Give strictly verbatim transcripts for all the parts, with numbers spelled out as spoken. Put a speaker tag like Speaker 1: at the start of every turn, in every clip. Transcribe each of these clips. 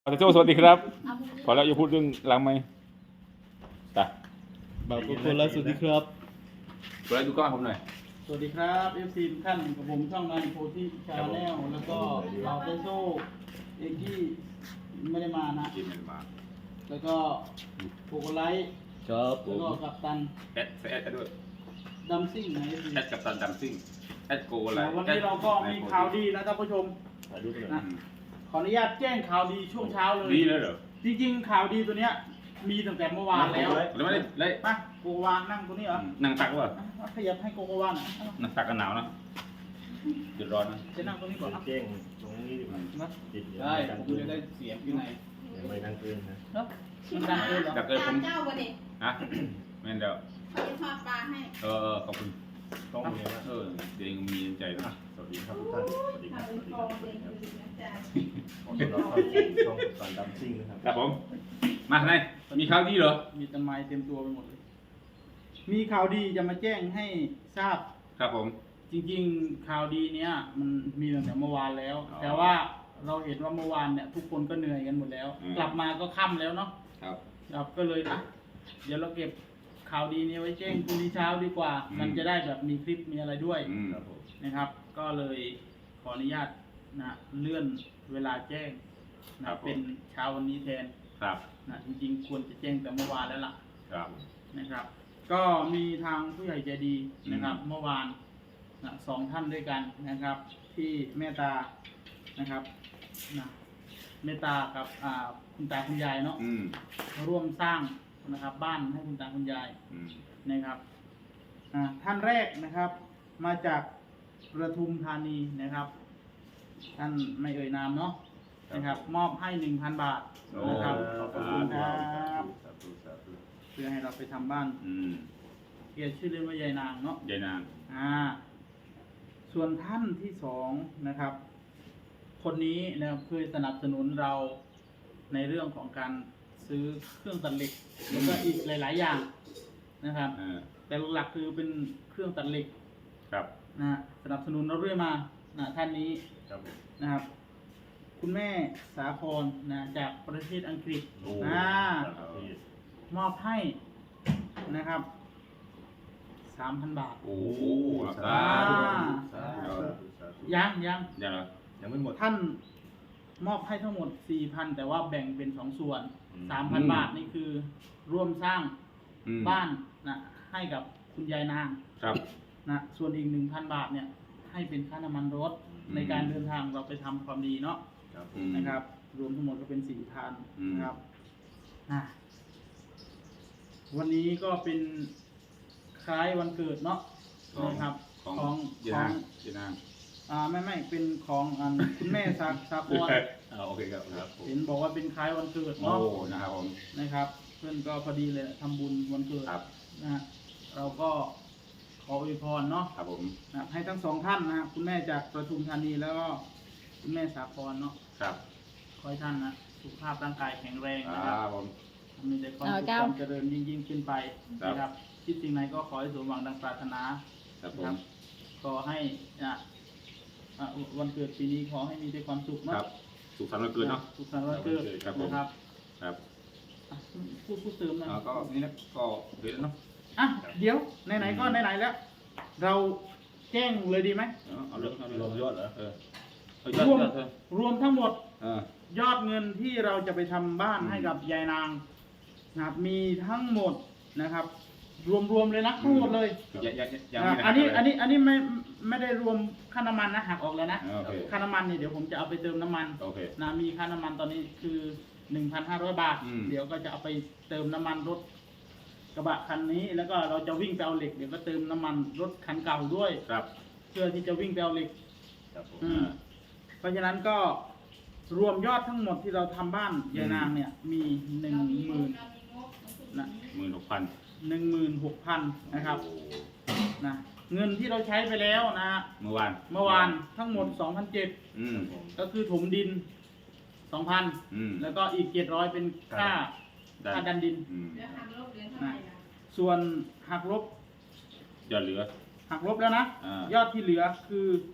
Speaker 1: อาจารย์โจ้สวัสดีครับขอแล้วอย่าพูดเรื่องหลังไหมตา
Speaker 2: บ่าวกุศลสวัสดีครับ
Speaker 1: เปิดดูกล้องผมหน่อย
Speaker 2: สวัสดีครับเอฟซีทุกท่านกับผมช่องนายโพธิชาแนลแล้วก็เราได้โซ่เอกกี้ไม่ได้มานะ
Speaker 1: กินมันมา
Speaker 2: แล้วก็โปโกไลท์
Speaker 3: ครับผ
Speaker 2: แล้ว
Speaker 3: ม
Speaker 2: ก็กัปตัน
Speaker 1: แอดแอดด้วย
Speaker 2: ดัมซิ่งนะเอฟซี
Speaker 1: แอดกับตันดัมซิ่งแอดโกอะไร
Speaker 2: วันนี้เราก็มีข่าวดีนะท่านผู้ชม
Speaker 3: ถ่ายรูปกันหน่อย
Speaker 2: นะขออนุญาตแจ้งข่าวดีช่วงเช้าเลย
Speaker 1: ดีเลยเหรอ
Speaker 2: จริงๆข่าวดีตัวเนี้ยมีตั้งแต่เมื่อวานแล้ว
Speaker 1: แล้วไม่ได้เลย
Speaker 2: มาโกโกวานั่งตัวนี้เหรอ
Speaker 1: นั่งตักวะ
Speaker 2: อ่ะขยับให้โกโกวาหน่อยอ่ะ
Speaker 1: นั่งตักกันหนาวนะเดือดร้อนนะ
Speaker 2: จะนั่งตรงนี้ก่อนนะ
Speaker 3: เจ้งตรงนี้ดีกว่า
Speaker 2: นะ
Speaker 3: ติดเดี๋ยว
Speaker 2: ได้
Speaker 3: ไม่ดัง
Speaker 2: ผม
Speaker 3: เกิน
Speaker 2: จะได้เสียงอยู่ใน
Speaker 3: เดี๋ยวไม่ดังเกินนะ
Speaker 2: เนาะมันดังเกินเหรอ
Speaker 1: ดักเลยผม
Speaker 4: เจ้าวันนี้
Speaker 1: ฮะแม่นเดียว
Speaker 4: เขาจะทอดปลาให้
Speaker 1: เออขอบคุณ
Speaker 3: ต้องมีนะ
Speaker 1: เออเดี๋ยวมีใจนะ
Speaker 3: สวัสดีครับทุกท่านสวัสดีครับ
Speaker 4: ทำ
Speaker 3: ส
Speaker 4: เป็น
Speaker 3: วัส
Speaker 4: ก
Speaker 3: ดี
Speaker 4: อ
Speaker 3: ค
Speaker 4: ง
Speaker 3: รับ
Speaker 4: เลยคือนะจ๊ะ
Speaker 3: ขอต้อนรับเข้าสู่ช่องสารดัมซิ่งนะครับ
Speaker 1: ครับผมมาไหนมีข่าวดีเหรอ
Speaker 2: มีต้นไม้เต็มตัวไปหมดเลย มีข่าวดีจะมาแจ้งให้ทราบ
Speaker 1: ครับผม
Speaker 2: จริงๆ ข่าวดีเนี้ยมันมีตั้งแต่เมื่อวานแล้ว
Speaker 1: อ๋อ
Speaker 2: แต่ว่าเราเห็นว่าเมื่อวานเนี่ยทุกคนก็เหนื่อยกันหมดแล้ว
Speaker 1: อืม
Speaker 2: กลับมาก็ค่ำแล้วเนาะ
Speaker 1: ครับ
Speaker 2: ครับก็เลยอ่ะเดี๋ยวเราเก็บข่าวดีนี้ไว้แจ้งพรุ่งนี้เช้าดีกว่า มันจะได้แบบมีคลิปมีอะไรด้วย
Speaker 1: อืม
Speaker 3: ครับผม
Speaker 2: นะครับ ก็เลยขออนุญาตนะเลื่อนเวลาแจ้งนะเป็นเช้าวันนี้แทน
Speaker 1: ครับ
Speaker 2: นะจริงๆควรจะแจ้งแต่เมื่อวานแล้วล่ะ
Speaker 1: ครับ
Speaker 2: นะครับ ก็มีทางผู้ใหญ่ใจดีนะครับ
Speaker 1: อืม
Speaker 2: เมื่อวานนะสองท่านด้วยกันนะครับ ที่เมตตานะครับนะเมตตากับอ่าคุณตาคุณยายเนาะ
Speaker 1: อืม
Speaker 2: ร่วมสร้างนะครับ บ้านให้คุณตาคุณยาย
Speaker 1: อืม
Speaker 2: นะครับอ่าท่านแรกนะครับ มาจากประทุมธานีนะครับ ท่านไม่เอ่ยนามเนาะนะครับ มอบให้หนึ่งพันบาท
Speaker 1: โอ้
Speaker 2: นะครับ
Speaker 1: ขอบ
Speaker 2: ขอบ
Speaker 1: คุ
Speaker 2: คุณ ณครับ
Speaker 3: สาธุสาธุ
Speaker 2: เพื่อให้เราไปทำบ้าน
Speaker 1: อืม
Speaker 2: เกียรติชื่อเล่นว่ายายนางเนาะ
Speaker 1: ยายนาง
Speaker 2: อ่า ส่วนท่านที่สองนะครับ คนนี้นะครับเคยสนับสนุนเราในเรื่องของการซื้อเครื่องตัดเหล็กแล้วก็อีกหลาย ๆ อย่างนะครับ
Speaker 1: เออ
Speaker 2: แต่หลักๆคือเป็นเครื่องตัดเหล็ก
Speaker 1: ครับ
Speaker 2: นะฮะสนับสนุนเราเรื่อยมานะท่านนี้
Speaker 3: ครับผม
Speaker 2: นะครับ คุณแม่สาครนะจากประเทศอังกฤษ
Speaker 3: โอ้
Speaker 2: อ่า
Speaker 3: สาธุ
Speaker 2: มอบให้นะครับสามพันบาท
Speaker 1: โอ้โห
Speaker 3: สา
Speaker 1: สา
Speaker 3: ธุ
Speaker 1: ธุ
Speaker 3: สาธุสาธุ
Speaker 2: ยังยัง
Speaker 1: อย่างไร
Speaker 3: ยังไม่หมด
Speaker 2: ท่านมอบให้ทั้งหมดสี่พันแต่ว่าแบ่งเป็นสองส่วน
Speaker 3: อืม
Speaker 2: สามพันบาทนี่คือร่วมสร้าง
Speaker 1: อืม
Speaker 2: บ้านนะให้กับคุณยายนาง
Speaker 1: ครับ
Speaker 2: นะส่วนอีกหนึ่งพันบาทเนี่ยให้เป็นค่าน้ำมันรถ
Speaker 1: อืม
Speaker 2: ในการเดินทางเราไปทำความดีเนาะ
Speaker 3: ครับผ
Speaker 1: อื
Speaker 3: ม
Speaker 1: ม
Speaker 2: นะครับ รวมทั้งหมดก็เป็นสี่พัน
Speaker 1: อืม
Speaker 2: นะครับอ่ะวันนี้ก็เป็นคล้ายวันเกิดเนาะ
Speaker 1: ของ
Speaker 2: นะครับ
Speaker 1: ของ
Speaker 2: ของ
Speaker 1: ยาย
Speaker 2: ข
Speaker 1: นา
Speaker 2: อง ง
Speaker 1: ยายนาง
Speaker 2: อ่าไม่ไม่เป็นของอัน คุณแม่สาสาคร
Speaker 1: อ่าโอเคครับครับผม
Speaker 2: เห็นบอกว่าเป็นคล้ายวันเกิด
Speaker 1: โอ้
Speaker 2: เนาะ
Speaker 1: นะครับผม
Speaker 2: นะครับ เพื่อนก็พอดีเลยทำบุญวันเกิด
Speaker 1: ครับ
Speaker 2: นะฮะเราก็ขออวยพรเนาะ
Speaker 1: ครับผม
Speaker 2: นะครับให้ทั้งสองท่านนะครับคุณแม่จากประทุมธานีแล้วก็คุณแม่สาครเนาะ
Speaker 1: ครับ
Speaker 2: ขอให้ท่านนะสุขภาพร่างกายแข็งแรง
Speaker 1: ค
Speaker 2: นะค
Speaker 1: รั
Speaker 2: รั
Speaker 1: บบ ผม
Speaker 2: มีแต่ความ
Speaker 4: เอา
Speaker 2: สุข
Speaker 4: เจ้า
Speaker 2: ความเจริญยิ่งยิ่งขึ้นไป
Speaker 1: ครับ
Speaker 2: นะครับคิดสิ่งไหนก็ขอให้สมหวังดังปรารถนา
Speaker 1: ครับผ
Speaker 2: นะค
Speaker 1: ม
Speaker 2: รับขอให้นะอ่ะวันเกิดปีนี้ขอให้มีแต่ความสุข
Speaker 1: ค
Speaker 2: เนาะ
Speaker 1: รับสุขสันต์วันเกิดเนาะ
Speaker 2: สุขสันต์วันเกิด
Speaker 1: ครับผม
Speaker 2: นะครับ
Speaker 1: ครับ
Speaker 2: อ่ะพูดพูดเติมหน่อย
Speaker 1: แล้วก็นี่นะก็เดี๋ยวเนาะ
Speaker 2: อ่ะเดี๋ยวไหนๆก็ไหนๆแล้ว เราแจ้งเลยดีไหม
Speaker 1: เอาเอาเรื่องเอาเรื่
Speaker 3: ร
Speaker 1: อ
Speaker 3: ว
Speaker 1: ง
Speaker 3: มยอดเหรอ
Speaker 1: เออเอายอด
Speaker 2: รวม
Speaker 1: ยอดเถอะ
Speaker 2: รวมทั้งหมด
Speaker 1: เออ
Speaker 2: ยอดเงินที่เราจะไปทำบ้าน
Speaker 1: อืม
Speaker 2: ให้กับยายนางนะครับมีทั้งหมดนะครับ รวมๆเลยนะทั้งหมดเลย
Speaker 1: ยังยังยัง
Speaker 2: อ่ะ
Speaker 1: ไม่ได้
Speaker 2: อันนี้
Speaker 1: หัก
Speaker 2: อันนี้อันนี้ไม่ไม่ได้รวมค่าน้ำมันนะหักออกแล้วนะ
Speaker 1: โอเค
Speaker 2: ค่าน้ำมันนี่เดี๋ยวผมจะเอาไปเติมน้ำมัน
Speaker 1: โอเค
Speaker 2: นะมีค่าน้ำมันตอนนี้คือหนึ่งพันห้าร้อยบาท
Speaker 1: อืม
Speaker 2: เดี๋ยวก็จะเอาไปเติมน้ำมันรถกระบะคันนี้ แล้วก็เราจะวิ่งไปเอาเหล็กเดี๋ยวก็เติมน้ำมันรถคันเก่าด้วย
Speaker 1: ครับ
Speaker 2: เพื่อที่จะวิ่งไปเอาเหล็ก
Speaker 3: ครับผม
Speaker 2: อืมเพราะฉะนั้นก็รวมยอดทั้งหมดที่เราทำบ้านยายนางเนี่ยมีหนึ่งหมื่นนะ
Speaker 1: หมื่นหกพัน
Speaker 2: หนึ่งหมื่นหกพันนะครับนะเงินที่เราใช้ไปแล้วนะ
Speaker 1: เมื่อวาน
Speaker 2: เมื่อวานทั้งหมดสองพันเจ็ด
Speaker 1: อืม
Speaker 2: ก็คือถมดินสองพัน
Speaker 1: อืม
Speaker 2: แล้วก็อีกเจ็ดร้อยเป็นค่า
Speaker 1: ได้
Speaker 2: ค่าดันดิน
Speaker 1: อืม
Speaker 4: เดี๋ยวทำรอบเดือนเท่าไหร่ล่ะ
Speaker 2: ส่วนหักลบ
Speaker 1: ยอดเหลือ
Speaker 2: หักลบแล้วนะ
Speaker 1: อ่าย
Speaker 2: อดที่เหลือคือ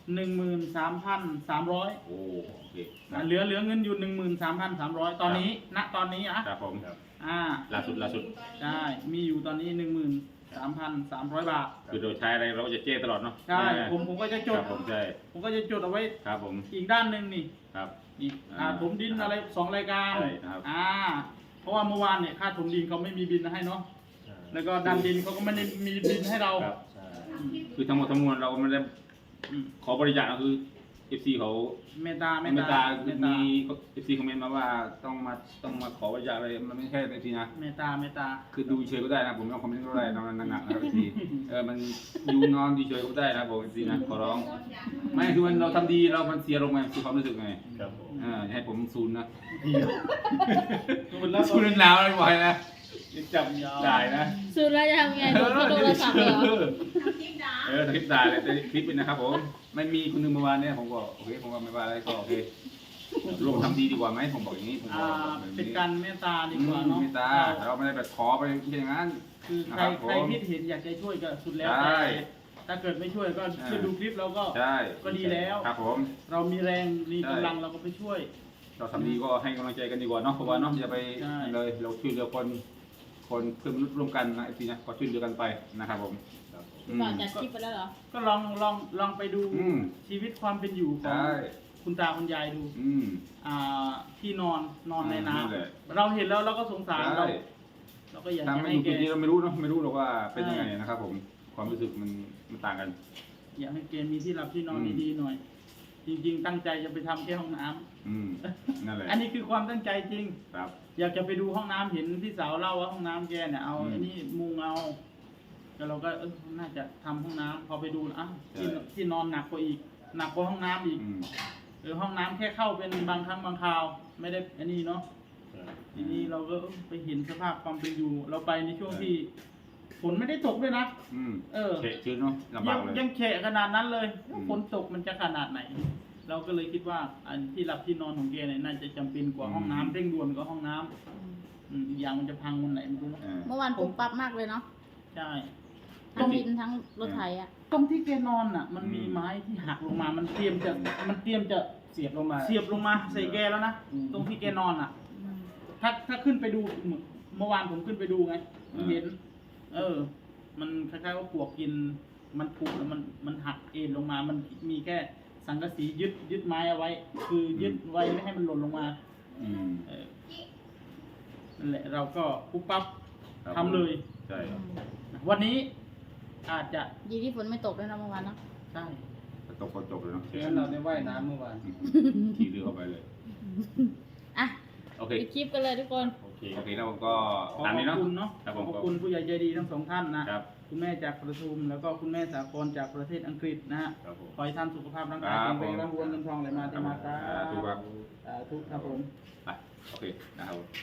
Speaker 2: หนึ่งหมื่นสามพันสามร้อย
Speaker 1: โอ้โอเค
Speaker 2: เหลือเหลือเงินอยู่หนึ่งหมื่นสามพันสามร้อยตอนนี้ณตอนนี้นะครับ
Speaker 1: ผม
Speaker 3: ครับ
Speaker 2: อ่า
Speaker 1: ล่าสุดล่าสุด
Speaker 2: ใช่มีอยู่ตอนนี้หนึ่งหมื่นสามพันสามร้อยบาท
Speaker 1: คือโดยใช้อะไรเราก็จะเจ้ตลอดเนาะ
Speaker 2: ใช่ผมผมก็จะจ
Speaker 1: ค
Speaker 2: ด
Speaker 1: รับผมใช่
Speaker 2: ผมก็จะจดเอาไว้
Speaker 1: ครับผม
Speaker 2: อีกด้านหนึ่งนี่
Speaker 1: ครับ
Speaker 2: อีกอ่า
Speaker 1: อ่า
Speaker 2: ถมดินอะไรสองรายการ
Speaker 1: ใช่ครับ
Speaker 2: อ่าเพราะว่าเมื่อวานเนี่ยค่าถมดินเขาไม่มีบินให้เนาะแล้วก็ดันดินเขาก็ไม่ได้มีบินให้เรา
Speaker 1: ครับ
Speaker 3: ใช่
Speaker 1: คือทั้งหมดทั้งมวลเราไม่ได้
Speaker 2: อืม
Speaker 1: ขอบริจาคก็คือ เอฟ ซี เขา
Speaker 2: เมตตาเม
Speaker 1: เม
Speaker 2: ต
Speaker 1: ต
Speaker 2: ตา
Speaker 1: ตา
Speaker 2: เมต
Speaker 1: มี
Speaker 2: ตา
Speaker 1: เอฟซีคอมเมนต์มาว่าต้องมาต้องมาขอบริจาคอะไรมันไม่ใช่เอฟซีนะ
Speaker 2: เมตตาเมตตา
Speaker 1: คือดูเฉยก็ได้นะผมไม่ต้องคอมเมนต์ก็ได้นอนหนักๆนะครับเอฟซีเออมันอยู่นอนดีเฉยก็ได้นะผมเอฟซีนะขอร้อง ไม่คือมันเราทำดีเรามันเสียลงไงคือความรู้สึกไง
Speaker 3: ครับผม
Speaker 1: อ่าอย่าให้ผมซูนนะ
Speaker 2: คุณแล้ว
Speaker 1: ซูนหนาวเลยบ่อยนะ
Speaker 2: จับยาว
Speaker 1: ได้นะ
Speaker 5: สุดแล้วจะทำไงโดนเขาโทรศัพท์เหรอ
Speaker 4: ทำคลิปด่า
Speaker 1: เออคลิปด่าเลยแต่คลิปเป็นนะครับผมไม่มีคนหนึงเมื่อวานเนี่ยผมก็โอเคผมก็ไม่ว่าอะไรก็โอเคร่วมทำดีดีกว่าไหมผมบอกอย่างนี้ผม
Speaker 2: อ่า
Speaker 1: บอกแบบ
Speaker 2: เป็น
Speaker 1: นี้
Speaker 2: การเมตตาดี
Speaker 1: อื
Speaker 2: กว่าม เนาะ
Speaker 1: ไม่ตาเราไม่ได้แบบขอไปอย่างนั้น
Speaker 2: คือใค
Speaker 1: นะ
Speaker 2: ร
Speaker 1: ครับผม
Speaker 2: ใครคิดเห็นอยากจะช่วยก็สุดแล้ว
Speaker 1: ใช่
Speaker 2: แต่ถ้าเกิดไม่ช่วยก็
Speaker 1: อ่า
Speaker 2: ช่วยดูคลิปเราก็
Speaker 1: ใช่
Speaker 2: ก็ดีแล้ว
Speaker 1: ครับผม
Speaker 2: เรามีแรงมี
Speaker 1: ใช่
Speaker 2: กำลังเราก็ไปช่วย
Speaker 1: เราทำดีก็ให้กำลังใจกันดีกว่าเนาะเพราะว่าเนาะอย่าไป
Speaker 2: ใช่
Speaker 1: เลยเราช่วยเหลือคนคนเพื่อนมนุษย์ร่วมกันนะไอ้ทีนะก็ช่วยเหลือกันไปนะครับผม
Speaker 3: ครับผม
Speaker 1: อืม
Speaker 5: ก่อนจัดคลิปไปแล้วเหรอ
Speaker 2: ก็ลองลองลองไปดู
Speaker 1: อืม
Speaker 2: ชีวิตความเป็นอยู่ของ
Speaker 1: ใช่
Speaker 2: คุณตาคุณยายดู
Speaker 1: อืม
Speaker 2: อ่าที่นอนนอนในน้
Speaker 1: นั่นแหละ
Speaker 2: ำเราเห็นแล้วเราก็สงสาร
Speaker 1: ใช่
Speaker 2: เราเราก็อยาก
Speaker 1: ถ้า
Speaker 2: จะ
Speaker 1: ไม่
Speaker 2: ให้
Speaker 1: ดู
Speaker 2: แก
Speaker 1: จุดนี้เราไม่รู้เนาะไม่รู้หรอกว่าเป็นยังไง
Speaker 2: ใช่
Speaker 1: นะครับผมความรู้สึกมันมันต่างกัน
Speaker 2: อยากให้แกมีที่หลับที่นอน
Speaker 1: อืม
Speaker 2: ดีๆหน่อย จริง ๆ ตั้งใจจะไปทำแค่ห้องน้ำ
Speaker 1: อืมนั่นแหละ
Speaker 2: อันนี้คือความตั้งใจจริง
Speaker 1: ครับ
Speaker 2: อยากจะไปดูห้องน้ำเห็นพี่สาวเล่าว่าห้องน้ำแกเนี่ยเอา
Speaker 1: อืม
Speaker 2: อันนี้มุงเอาแล้วเราก็เออน่าจะทำห้องน้ำพอไปดูอ้าวที่
Speaker 1: ใช่
Speaker 2: ที่นอนหนักกว่าอีกหนักกว่าห้องน้ำอีก
Speaker 1: อืม
Speaker 2: เออห้องน้ำแค่เข้าเป็นบางครั้งบางคราว ไม่ได้อันนี้เนาะ
Speaker 3: ใช่
Speaker 2: ทีนี้เราก็เออไปเห็นสภาพความเป็นอยู่ เราไปในช่วง
Speaker 1: ใช่
Speaker 2: ที่ฝนไม่ได้ตกด้วยนะ
Speaker 1: อืม
Speaker 2: เออ
Speaker 1: เฉะชื้นเนาะลำ
Speaker 2: ยั
Speaker 1: บาง กเลย
Speaker 2: ยังแฉะขนาดนั้นเลย
Speaker 1: อืม
Speaker 2: ฝนตกมันจะขนาดไหน เราก็เลยคิดว่าอันที่หลับที่นอนของแกเนี่ยน่าจะจำเป็นกว่าห้องน้ำเร่งด่วนกว่าห้องน้ำอืมอีกอย่างมันจะพังวันไหนไม่รู้เนอะ
Speaker 1: อ่า
Speaker 5: เมื่อวานปุ๊บปั๊บมากเลยเนาะ
Speaker 2: ใช่
Speaker 5: ทั้งดินทั้งรถไถอ่ะ
Speaker 2: ตรงที่แกนอนอ่ะ มันมี
Speaker 1: อืม
Speaker 2: ไม้ที่หักลงมา มันเตรียมจะมันเตรียมจะ
Speaker 3: เสียบลงมา
Speaker 2: เสียบลงมาใส่แกแล้วนะ
Speaker 3: อืม
Speaker 2: ตรงที่แกนอนอ่ะ ถ้าถ้าขึ้นไปดูเมื่อวานผมขึ้นไปดูไงผมเห็น เออ มันคล้ายๆว่าปลวกกิน มันผุแล้วมันมันหักเอ็นลงมา มันมีแค่สังกะสียึดยึดไม้เอาไว้ คือยึดไว้ไม่ให้มันหล่นลงมา
Speaker 1: อืม
Speaker 2: เออนั่นแหละ เราก็ปุ๊บปั๊บ
Speaker 1: ครับ
Speaker 2: ทำเลย
Speaker 1: ใช่
Speaker 2: วันนี้อาจจะ
Speaker 5: ดีที่ฝนไม่ตกด้วยนะเมื่อวานเนาะ
Speaker 2: ใช่
Speaker 1: ตกก็จบเลยเนาะ
Speaker 3: เดี๋ยวเราได้ว่ายน้ำเมื่อวาน
Speaker 1: ขี่เรือเข้าไปเลย
Speaker 5: อ่ะ
Speaker 1: โอเค
Speaker 5: ปิดคลิปกันเลยทุกคน
Speaker 3: โอเค
Speaker 1: โอเคแล้วผมก็
Speaker 2: ขอ
Speaker 1: ตาม
Speaker 2: ข
Speaker 1: นี้
Speaker 2: อบ
Speaker 1: เนาะ
Speaker 2: คุณเนาะ
Speaker 1: ครับ
Speaker 2: ข
Speaker 1: ผ
Speaker 2: อ
Speaker 1: ม
Speaker 2: บคุณผู้ใหญ่ใจดีทั้งสองท่านนะ
Speaker 1: ครับ
Speaker 2: คุณแม่จากประทุมแล้วก็คุณแม่สากลจากประเทศอังกฤษนะฮะ
Speaker 3: ครับผม
Speaker 2: ขอให้ท่านสุขภาพร่างกาย
Speaker 1: ครั
Speaker 2: แข็
Speaker 1: บ
Speaker 2: งแรงร่ำรวยเงินทองไหลมาเทมาสา
Speaker 1: สาธุครับ
Speaker 2: สาธุครับผม
Speaker 1: ไปโอเคนะครับผม